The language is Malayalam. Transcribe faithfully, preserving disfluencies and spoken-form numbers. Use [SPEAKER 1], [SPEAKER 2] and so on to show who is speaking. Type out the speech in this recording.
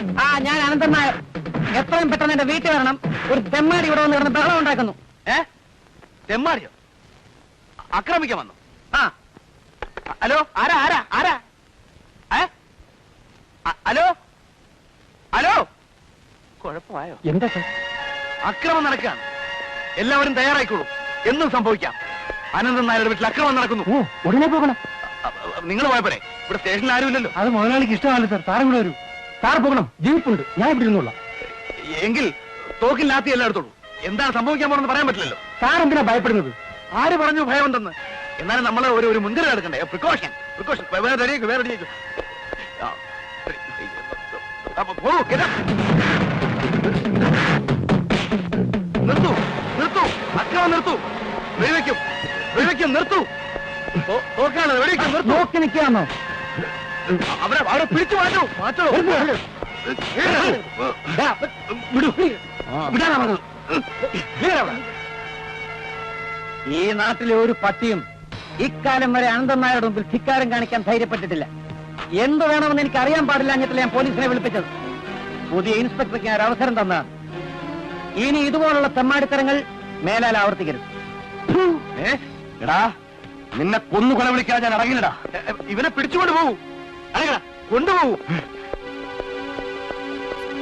[SPEAKER 1] ആ ഞാൻ അനന്തൻ നായർ. എത്രയും പെട്ടെന്ന് എന്റെ വീട്ടിൽ വരണം. ഒരു തെമ്മാടി ഇവിടെ വന്ന് കിടന്ന് ബഹളം ഉണ്ടാക്കുന്നു.
[SPEAKER 2] ഏ തെമ്മാടിയോ? ആക്രമിക്കാൻ വന്നു? ആ ഹലോ, ആരാ ആരാ ആരാ? ഏ ഹലോ ഹലോ, കുഴപ്പമായോ?
[SPEAKER 1] എന്താ
[SPEAKER 2] അക്രമം നടക്കുകയാണ്. എല്ലാവരും തയ്യാറായിക്കോളൂ. എന്നും സംഭവിക്കാം. അനന്തൻ നായരുടെ വീട്ടിൽ അക്രമം നടക്കുന്നു.
[SPEAKER 1] ഓ, ഉടനെ പോകണം.
[SPEAKER 2] നിങ്ങൾ പോയപ്പോഴേ ഇവിടെ സ്റ്റേഷനിൽ ആരുമില്ലല്ലോ.
[SPEAKER 1] അത് മുതലാളിക്ക് ഇഷ്ടമല്ല സാർ. സാറും കൂടെ വരൂ. സാർ പോകണം. ജീപ്പുണ്ട്, ഞാൻ ഇവിടെ ഇരുന്നോളാം.
[SPEAKER 2] എങ്കിൽ തോക്കിൽ ലാത്തി എല്ലാം എടുത്തോളൂ. എന്താണ് സംഭവിക്കാൻ പോണെന്ന് പറയാൻ പറ്റില്ലല്ലോ.
[SPEAKER 1] സാർ എന്തിനാ ഭയപ്പെടുന്നത്?
[SPEAKER 2] ആര് പറഞ്ഞു ഭയമുണ്ടെന്ന്? എന്നാലും നമ്മൾ ഒരു ഒരു മുൻകരുതൽ എടുക്കണ്ടേ? Precaution precaution. വേറെ റെഡിയാക്കും, വേറെ റെഡിയാക്കും. നിർത്തു നിർത്തു, അക്രമം നിർത്തു. വെടിവെക്കും വെടിവെക്കും, നിർത്തു. തോക്കാണ്, വെടിവെക്കും, നിർത്തു.
[SPEAKER 1] നോക്കി നിൽക്കാന്നോ?
[SPEAKER 2] അവരെ അവരെ പിടിച്ചു മാറ്റൂ, മാറ്റോ.
[SPEAKER 1] ഈ നാട്ടിലെ ഒരു പട്ടിയും ഇക്കാലം വരെ അനന്തൻ നായരുടെ മുമ്പിൽ ധിക്കാരം കാണിക്കാൻ ധൈര്യപ്പെട്ടിട്ടില്ല. എന്ത് വേണമെന്ന് എനിക്ക് അറിയാൻ പാടില്ല എന്നിട്ടില്ല ഞാൻ പോലീസിനെ വിളിപ്പിച്ചത്. പുതിയ ഇൻസ്പെക്ടർക്ക് ഞാൻ ഒരു അവസരം തന്നതാണ്. ഇനി ഇതുപോലുള്ള തെമ്മാടിത്തരങ്ങൾ മേലാൽ ആവർത്തിക്കരുത്.
[SPEAKER 2] എടാ, നിന്നെ കൊന്നു കൊല വിളിക്കാൻ ഞാൻ അടങ്ങില്ലടാ. ഇവനെ പിടിച്ചുകൊണ്ട് പോകൂ, കൊണ്ടുപോകൂ.